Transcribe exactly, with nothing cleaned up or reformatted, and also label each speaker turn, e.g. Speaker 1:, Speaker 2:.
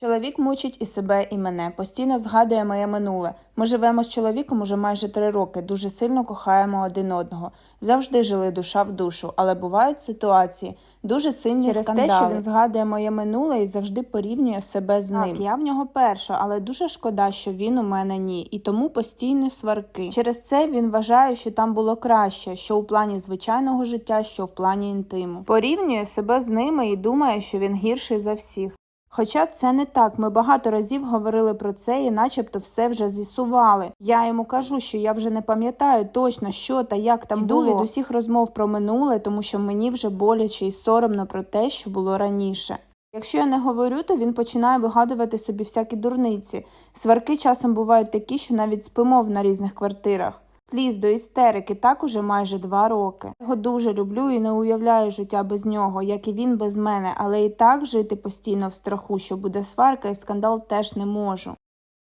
Speaker 1: Чоловік мучить і себе, і мене, постійно згадує моє минуле. Ми живемо з чоловіком уже майже три роки, дуже сильно кохаємо один одного. Завжди жили душа в душу, але бувають ситуації, дуже сильні
Speaker 2: Через
Speaker 1: скандали.
Speaker 2: те, що
Speaker 1: Він згадує моє минуле і завжди порівнює себе з
Speaker 2: Так,
Speaker 1: ним. Я в нього перша, але дуже шкода, що він у мене ні, і тому постійні сварки. Через це він вважає, що там було краще, що у плані звичайного життя, що в плані інтиму. Порівнює себе з ними і думає, що він гірший за всіх. Хоча це не так, ми багато разів говорили про це і начебто все вже з'ясували. Я йому кажу, що я вже не пам'ятаю точно, що та як там
Speaker 2: Йду
Speaker 1: було.
Speaker 2: від
Speaker 1: Усіх розмов про минуле, тому що мені вже боляче і соромно про те, що було раніше. Якщо я не говорю, то він починає вигадувати собі всякі дурниці. Сварки часом бувають такі, що навіть спимо на різних квартирах. Сліз до істерики так уже майже два роки. Я його дуже люблю і не уявляю життя без нього, як і він без мене, але і так жити постійно в страху, що буде сварка і скандал теж не можу.